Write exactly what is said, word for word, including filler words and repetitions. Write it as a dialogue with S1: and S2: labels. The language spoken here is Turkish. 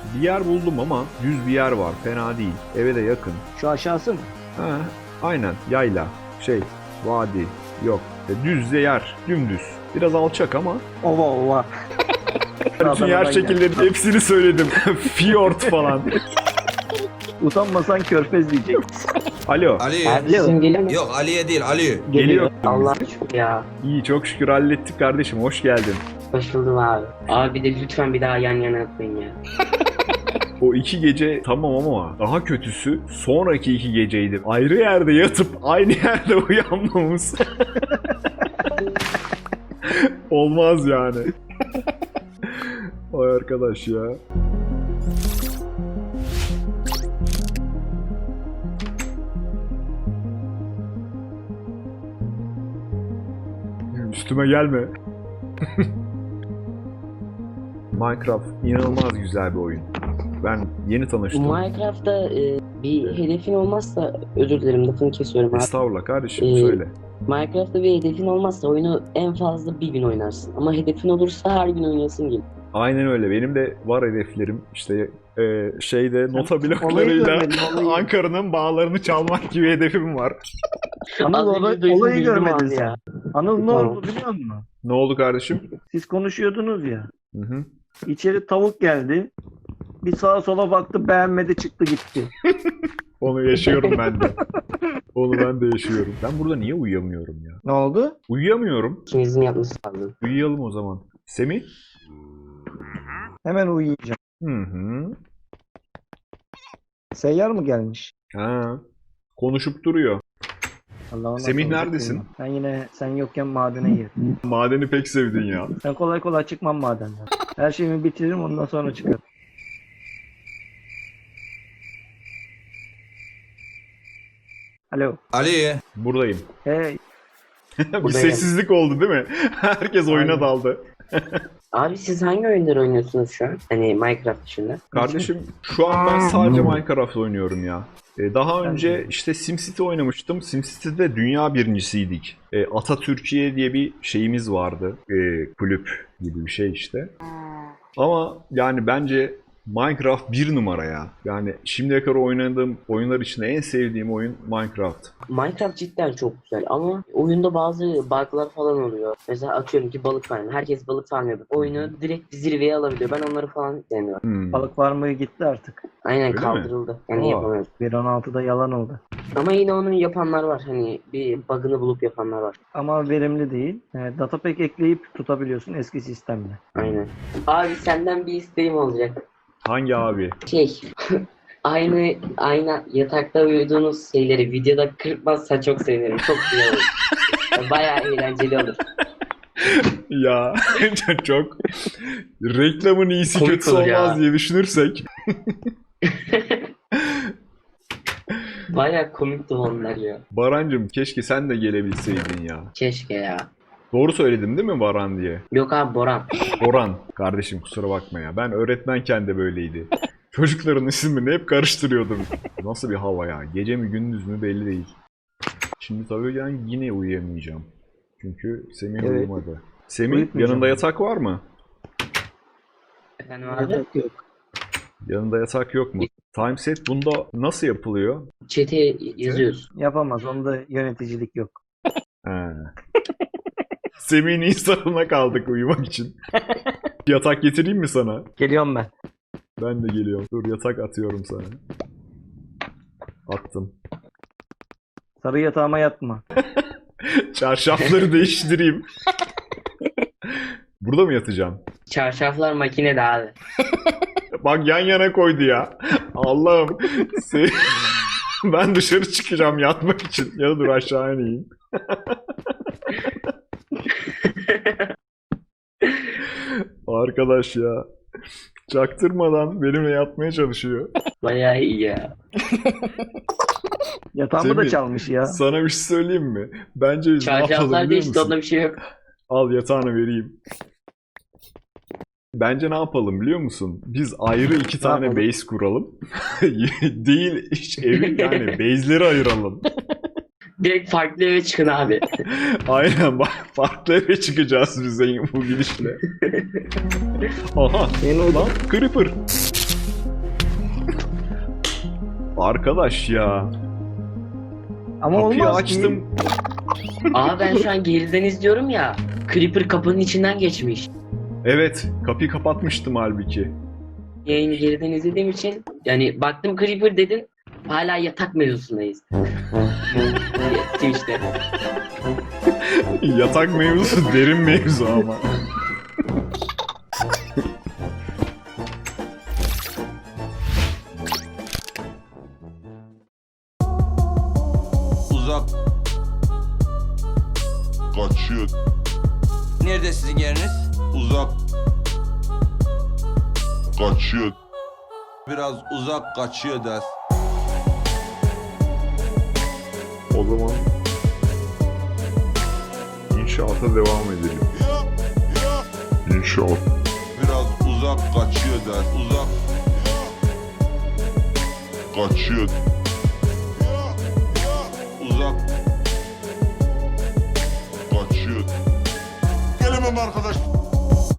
S1: Bir yer buldum ama düz bir yer var. Fena değil. Eve de yakın.
S2: Şu aşağısı mı?
S1: Ha, aynen. Yayla. Şey, vadi. Yok. E, düz de yer. Dümdüz. Biraz alçak ama.
S2: Ova ova.
S1: Bütün yer şekillerinin hepsini söyledim. Fjord falan.
S2: Utanmasan körfez diyecek.
S1: Alo.
S3: Ali.
S4: Abi sesim geliyor mu?
S3: Yok Ali'ye değil Ali.
S1: Geliyor.
S4: Allah'a şükür ya.
S1: İyi, çok şükür hallettik kardeşim. Hoş geldin.
S4: Hoş buldum abi. Abi de lütfen bir daha yan yana atmayın ya.
S1: O iki gece tamam ama daha kötüsü sonraki iki geceydi. Ayrı yerde yatıp aynı yerde uyanmamız. Olmaz yani. Vay arkadaş ya. Üstüme gelme. Minecraft inanılmaz güzel bir oyun. Ben yeni tanıştım.
S4: Minecraft'ta e, bir hedefin olmazsa, özür dilerim lafını kesiyorum abi.
S1: Estağfurullah kardeşim,
S4: Ee,
S1: söyle.
S4: Minecraft'ta bir hedefin olmazsa oyunu en fazla bir gün oynarsın. Ama hedefin olursa her gün oynayasın gibi.
S1: Aynen öyle. Benim de var hedeflerim. İşte e, şeyde nota
S2: olayı
S1: bloklarıyla
S2: görmedin, olayı.
S1: Ankara'nın bağlarını çalmak gibi hedefim var.
S2: Anıl
S4: Az önce
S2: olay,
S4: duydum,
S2: olayı
S4: bildim
S2: görmedin
S4: abi
S2: sen.
S4: ya.
S2: Anıl ne
S4: Tamam.
S2: oldu biliyor musun?
S1: Ne oldu kardeşim?
S2: Siz konuşuyordunuz ya.
S1: Hı hı.
S2: İçeri tavuk geldi. Bir sağa sola baktı, beğenmedi, çıktı gitti.
S1: Onu yaşıyorum ben de. Onu ben de yaşıyorum. Ben burada niye uyuyamıyorum ya?
S2: Ne oldu?
S1: Uyuyamıyorum.
S4: İkinizin yapması lazım.
S1: Uyuyalım o zaman. Semih?
S2: Hemen uyuyacağım.
S1: Hı hı.
S2: Seyyar mı gelmiş?
S1: Ha. Konuşup duruyor.
S2: Allah ona
S1: Semih
S2: soracak
S1: neredesin?
S2: değilim. Ben yine sen yokken madene girdim.
S1: Madeni pek sevdin ya.
S2: Ben kolay kolay çıkmam madenden. Her şeyimi bitiririm, ondan sonra çıkarım. Alo.
S3: Ali.
S1: Buradayım.
S2: Hey.
S1: Bir
S4: Buradayım.
S1: sessizlik oldu değil mi? Herkes oyuna
S2: Aynen.
S1: daldı.
S4: Abi siz hangi oyunları oynuyorsunuz şu an? Hani Minecraft dışında.
S1: Kardeşim şu an ben sadece Minecraft oynuyorum ya. Ee, Daha
S2: Ben
S1: önce
S2: de.
S1: işte SimCity oynamıştım. SimCity'de dünya birincisiydik. Ee, Atatürkiye diye bir şeyimiz vardı. Ee, kulüp gibi bir şey işte. Ama yani bence Minecraft bir numara ya. Yani şimdiye kadar oynadığım oyunlar içinde en sevdiğim oyun Minecraft.
S4: Minecraft cidden çok güzel ama oyunda bazı bug'lar falan oluyor. Mesela atıyorum ki balık farmı. Herkes balık farmı yapıyor. Oyunu direkt zirveye alabiliyor. Ben onları falan sevmiyorum.
S1: Hmm.
S2: Balık var mı gitti artık.
S4: Aynen
S1: Öyle mi?
S4: kaldırıldı. Yani
S1: Aa.
S4: yapamıyoruz.
S2: bir nokta on altıda yalan oldu.
S4: Ama yine onu yapanlar var. Hani bir bug'ını bulup yapanlar var.
S2: Ama verimli değil. Evet, datapack ekleyip tutabiliyorsun eski sistemle.
S4: Aynen. Abi senden bir isteğim olacak.
S1: Hangi abi?
S4: Şey, aynı aynı yatakta uyuduğunuz şeyleri videoda kırpmazsa çok sevinirim. Çok güzel olur. Bayağı eğlenceli olur.
S1: Ya çok reklamın iyisi
S4: Komik
S1: kötüsü
S4: olur
S1: olmaz
S4: ya.
S1: diye düşünürsek.
S4: Bayağı komikti onlar ya.
S1: Barancım keşke sen de gelebilseydin ya.
S4: Keşke ya.
S1: Doğru söyledim değil mi Baran diye?
S4: Yok abi Boran.
S1: Boran kardeşim kusura bakma ya. Ben öğretmenken de böyleydi. Çocukların isimlerini hep karıştırıyordum. Nasıl bir hava ya? Gece mi gündüz mü belli değil. Şimdi tabii ben yine uyuyamayacağım. Çünkü Semih
S2: Evet.
S1: uyumadı. Semih
S2: Uyutmayacağım.
S1: yanında yatak var mı?
S4: Efendim abi?
S2: Yatak yok.
S1: Yanında yatak yok mu? Timeset bunda nasıl yapılıyor?
S4: Chat'e yazıyoruz.
S2: Yapamaz. Onda yöneticilik yok.
S1: He. Semih'in insanına kaldık uyumak için. Yatak getireyim mi sana?
S2: Geliyorum ben.
S1: Ben de geliyorum. Dur yatak atıyorum sana. Attım.
S2: Sarı yatağıma yatma.
S1: Çarşafları değiştireyim. Burada mı yatacağım?
S4: Çarşaflar makinede abi.
S1: Bak yan yana koydu ya. Allah'ım. Se- ben dışarı çıkacağım yatmak için. Ya da dur aşağı ineyim. Arkadaş ya. Çaktırmadan benimle yatmaya çalışıyor.
S4: Bayağı iyi ya.
S2: Yatağımı da
S1: Semih,
S2: çalmış ya.
S1: Sana bir şey söyleyeyim mi? Bence biz ne yapalım
S4: Çarşaflar
S1: biliyor
S4: değişti,
S1: musun?
S4: onda bir şey yok.
S1: Al yatağını vereyim. Bence ne yapalım biliyor musun? Biz ayrı iki tane
S2: yapalım?
S1: base kuralım. Değil hiç evin yani base'leri ayıralım.
S4: Direkt farklı eve çıkın abi.
S1: Aynen bak farklı eve çıkacağız biz bu gidişle. Aha
S2: Yeni
S1: lan Creeper. Arkadaş ya.
S2: Ama
S1: Kapıyı
S2: olmaz
S1: açtım.
S2: ki.
S4: Aa ben şu an geriden izliyorum ya. Creeper kapının içinden geçmiş.
S1: Evet, kapıyı kapatmıştım halbuki.
S4: Yayını geriden izlediğim için yani baktım Creeper dedin. Hala yatak mevzusundayız. Twitch'te.
S1: Yatak mevzusu derin mevzu ama.
S3: Uzak. Kaçıyor.
S5: Nerede sizin yeriniz?
S3: Uzak. Kaçıyor. Biraz uzak kaçıyor ders.
S1: O zaman inşaata devam edelim. İnşaat.
S3: Biraz uzak kaçıyor ders. Uzak. Kaçıyor. Uzak. Kaçıyor. Gelemem arkadaş.